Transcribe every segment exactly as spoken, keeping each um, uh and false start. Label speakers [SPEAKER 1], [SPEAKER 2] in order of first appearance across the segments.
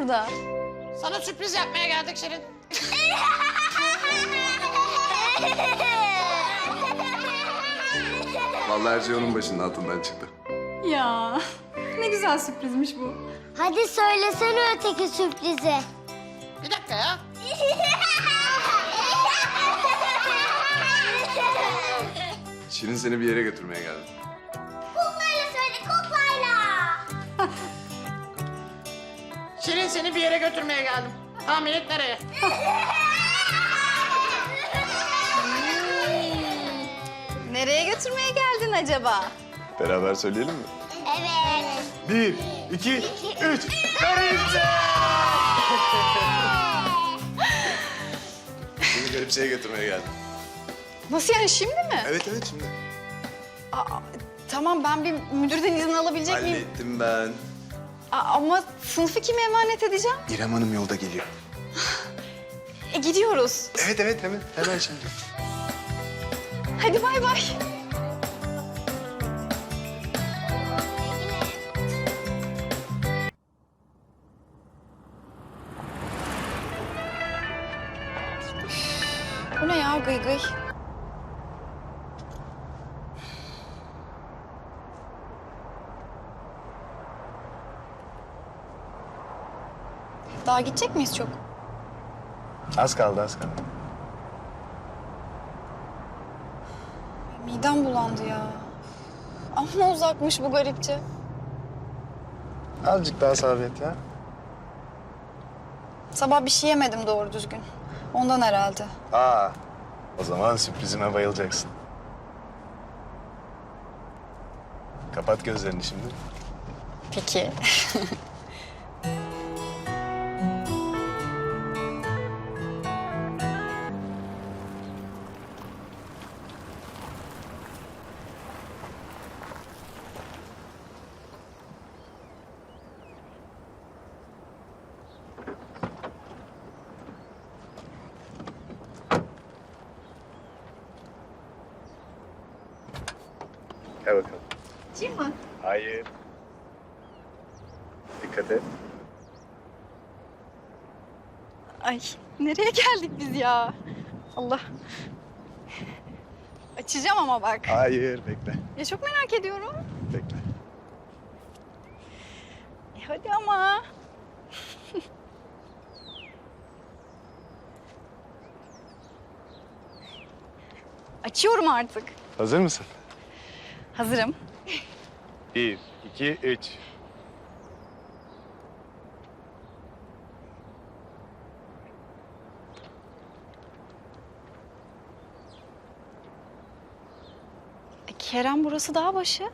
[SPEAKER 1] burada?
[SPEAKER 2] Sana sürpriz yapmaya geldik Şirin.
[SPEAKER 3] Vallahi her şey onun başının altından çıktı.
[SPEAKER 1] Ya ne güzel sürprizmiş bu.
[SPEAKER 4] Hadi söylesene öteki sürprizi.
[SPEAKER 2] Bir dakika ya.
[SPEAKER 3] Şirin seni bir yere götürmeye geldi.
[SPEAKER 4] Kuklayla söyle, kuklayla.
[SPEAKER 2] Şirin seni bir yere götürmeye geldim. Tahmin et nereye?
[SPEAKER 1] Nereye götürmeye geldin acaba?
[SPEAKER 3] Beraber söyleyelim mi?
[SPEAKER 4] Evet.
[SPEAKER 3] Bir, iki, üç. Garipçe! Seni Garipçe'ye götürmeye geldim.
[SPEAKER 1] Nasıl yani, şimdi mi?
[SPEAKER 3] Evet evet şimdi.
[SPEAKER 1] Aa, tamam, ben bir müdürden izin alabilecek miyim?
[SPEAKER 3] Hallettim ben.
[SPEAKER 1] Aa, ama sınıfı kime emanet edeceğim?
[SPEAKER 3] İrem Hanım yolda geliyor.
[SPEAKER 1] E gidiyoruz.
[SPEAKER 3] Evet evet hemen hemen şimdi.
[SPEAKER 1] Hadi bay bay. Bu ne ya, gıy gıy? Daha gidecek miyiz çok?
[SPEAKER 3] Az kaldı az kaldı.
[SPEAKER 1] Midem bulandı ya. Amma uzakmış bu Garipçe.
[SPEAKER 3] Azıcık daha sabret ya.
[SPEAKER 1] Sabah bir şey yemedim doğru düzgün. Ondan herhalde.
[SPEAKER 3] Aa, o zaman sürprizime bayılacaksın. Kapat gözlerini şimdi.
[SPEAKER 1] Peki.
[SPEAKER 3] Gel bakalım.
[SPEAKER 1] Açayım mı?
[SPEAKER 3] Hayır. Dikkat et.
[SPEAKER 1] Ay, nereye geldik biz ya? Allah. Açacağım ama bak.
[SPEAKER 3] Hayır, bekle.
[SPEAKER 1] Ya çok merak ediyorum.
[SPEAKER 3] Bekle.
[SPEAKER 1] E hadi ama. Açıyorum artık.
[SPEAKER 3] Hazır mısın?
[SPEAKER 1] Hazırım.
[SPEAKER 3] Bir, iki, üç.
[SPEAKER 1] E, Kerem, burası dağ başı.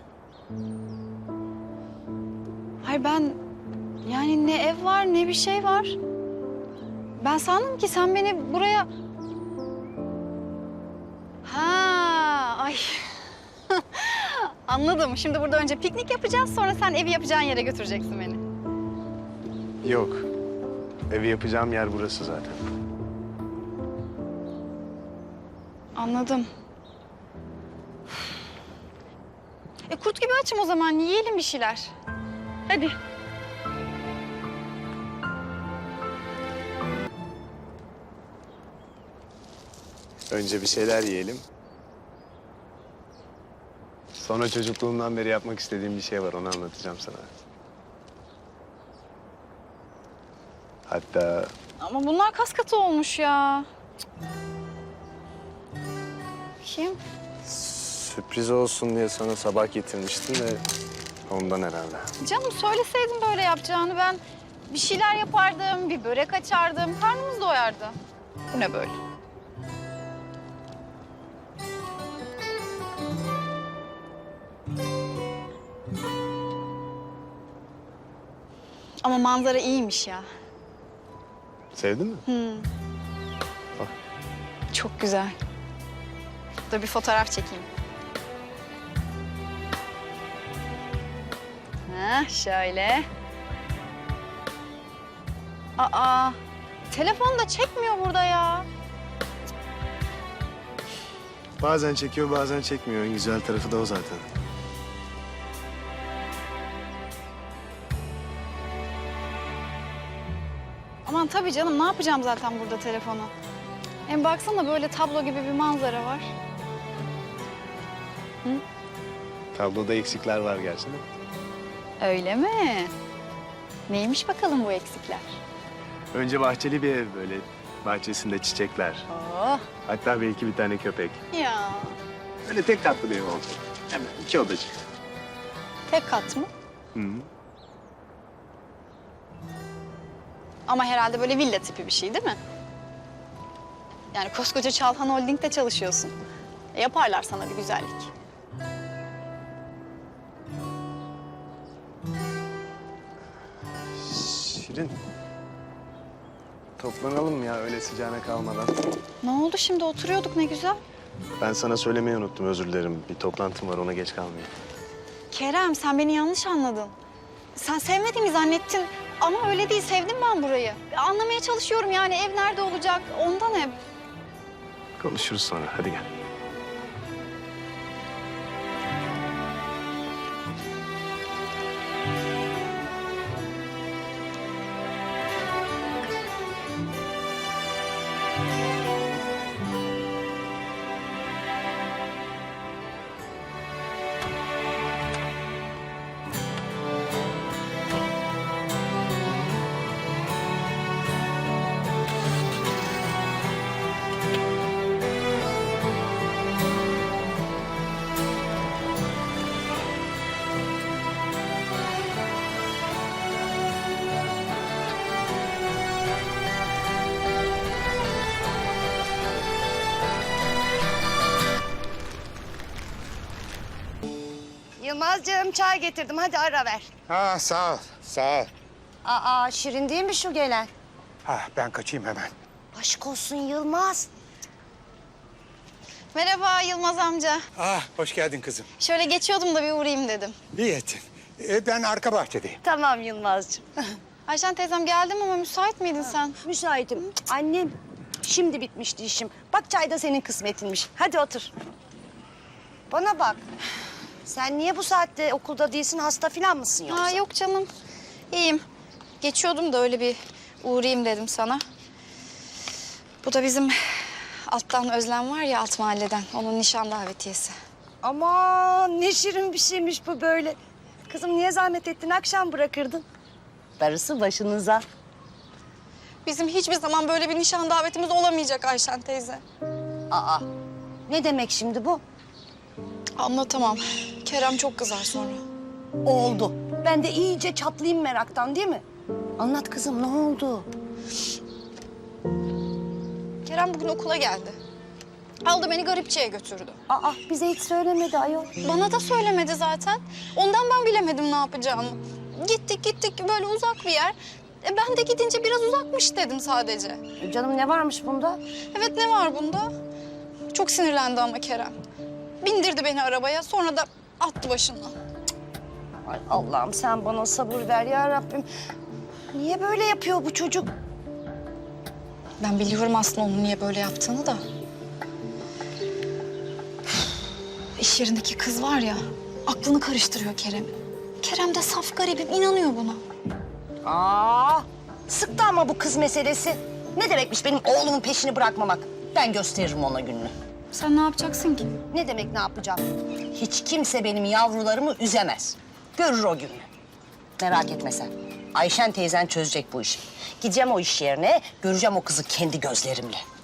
[SPEAKER 1] Hayır, ben yani ne ev var ne bir şey var. Ben sandım ki sen beni buraya... Ha, ay. Anladım. Şimdi burada önce piknik yapacağız, sonra sen evi yapacağın yere götüreceksin beni.
[SPEAKER 3] Yok. Evi yapacağım yer burası zaten.
[SPEAKER 1] Anladım. E kurt gibi açım o zaman. Yiyelim bir şeyler. Hadi.
[SPEAKER 3] Önce bir şeyler yiyelim. Sonra çocukluğumdan beri yapmak istediğim bir şey var, onu anlatacağım sana. Hatta
[SPEAKER 1] Ama bunlar kas katı olmuş ya. Kim?
[SPEAKER 3] sürpriz olsun diye sana sabah getirmiştim de ondan herhalde.
[SPEAKER 1] Canım, söyleseydin böyle yapacağını, ben bir şeyler yapardım, bir börek açardım, karnımız doyardı. Bu ne böyle? Ama manzara iyiymiş ya.
[SPEAKER 3] Sevdin mi?
[SPEAKER 1] Hmm.
[SPEAKER 3] Bak.
[SPEAKER 1] Çok güzel. Dur bir fotoğraf çekeyim. Ha, şöyle. Aa, telefon da çekmiyor burada ya.
[SPEAKER 3] Bazen çekiyor, bazen çekmiyor. En güzel tarafı da o zaten.
[SPEAKER 1] tabii canım. Ne yapacağım zaten burada telefonu? Hem baksana böyle tablo gibi bir manzara var.
[SPEAKER 3] Tabloda eksikler var gerçi de.
[SPEAKER 1] Öyle mi? Neymiş bakalım bu eksikler?
[SPEAKER 3] Önce bahçeli bir ev böyle. Bahçesinde çiçekler.
[SPEAKER 1] Oh.
[SPEAKER 3] Hatta belki bir tane köpek.
[SPEAKER 1] Ya.
[SPEAKER 3] Öyle tek katlı bir ev olacak. Hemen iki odacık.
[SPEAKER 1] Tek kat mı?
[SPEAKER 3] Hı hı.
[SPEAKER 1] Ama herhalde böyle villa tipi bir şey değil mi? Yani koskoca Çalhan Holding'de çalışıyorsun. E, yaparlar sana bir güzellik.
[SPEAKER 3] Şirin. Toplanalım ya öyle sıcağına kalmadan.
[SPEAKER 1] Ne oldu şimdi? Oturuyorduk ne güzel.
[SPEAKER 3] Ben sana söylemeyi unuttum, özür dilerim. Bir toplantım var, ona geç kalmayayım.
[SPEAKER 1] Kerem, sen beni yanlış anladın. Sen sevmediğimi zannettin ama öyle değil. Sevdim ben burayı. Anlamaya çalışıyorum yani ev nerede olacak ondan hep.
[SPEAKER 3] Konuşuruz sonra, hadi gel.
[SPEAKER 5] Yılmazcığım çay getirdim. Hadi ara ver.
[SPEAKER 6] Ha sağ ol, sağ ol.
[SPEAKER 5] Aa Şirin değil mi şu gelen?
[SPEAKER 6] Ha ben kaçayım hemen.
[SPEAKER 5] Aşk olsun Yılmaz.
[SPEAKER 1] Merhaba Yılmaz amca.
[SPEAKER 6] Ah hoş geldin kızım.
[SPEAKER 1] Şöyle geçiyordum da bir uğrayayım dedim.
[SPEAKER 6] İyi ettin. Ee, ben arka bahçedeyim.
[SPEAKER 5] Tamam Yılmazcığım.
[SPEAKER 1] Ayşen teyzem geldim ama müsait miydin sen?
[SPEAKER 5] Müsaitim. Annem şimdi bitmişti işim. Bak çay da senin kısmetinmiş. Hadi otur. Bana bak. Sen niye bu saatte okulda değilsin? Hasta falan mısın yoksa?
[SPEAKER 1] Ha yok canım. İyiyim. Geçiyordum da öyle bir uğrayayım dedim sana. Bu da bizim alttan Özlem var ya alt mahalleden. Onun nişan davetiyesi.
[SPEAKER 5] Aman ne şirin bir şeymiş bu böyle. Kızım niye zahmet ettin? Akşam bırakırdın. Darısı başınıza.
[SPEAKER 1] Bizim hiçbir zaman böyle bir nişan davetimiz olamayacak Ayşen teyze.
[SPEAKER 5] Aa ne demek şimdi bu?
[SPEAKER 1] Anlatamam. Kerem çok kızar sonra.
[SPEAKER 5] Oldu. Ben de iyice çatlayayım meraktan değil mi? Anlat kızım ne oldu?
[SPEAKER 1] Kerem bugün okula geldi. Aldı beni garipçiye götürdü.
[SPEAKER 5] Aa bize hiç söylemedi ayol.
[SPEAKER 1] Bana da söylemedi zaten. Ondan ben bilemedim ne yapacağımı. Gittik gittik böyle uzak bir yer. E, ben de gidince biraz uzakmış dedim sadece.
[SPEAKER 5] Canım ne varmış bunda?
[SPEAKER 1] Evet ne var bunda? Çok sinirlendi ama Kerem. Bindirdi beni arabaya sonra da attı başından.
[SPEAKER 5] Ay Allah'ım sen bana sabır ver ya Rabbim. Niye böyle yapıyor bu çocuk?
[SPEAKER 1] Ben biliyorum aslında onun niye böyle yaptığını da. İş yerindeki kız var ya, aklını karıştırıyor Kerem'in. Kerem de saf garibim, inanıyor buna.
[SPEAKER 5] Aa, sıktı ama bu kız meselesi. Ne demekmiş benim oğlumun peşini bırakmamak? Ben gösteririm ona gününü.
[SPEAKER 1] Sen ne yapacaksın ki?
[SPEAKER 5] Ne demek ne yapacağım? Hiç kimse benim yavrularımı üzemez. Görür o gününü. Merak etme sen. Ayşen teyzen çözecek bu işi. Gideceğim o iş yerine, göreceğim o kızı kendi gözlerimle.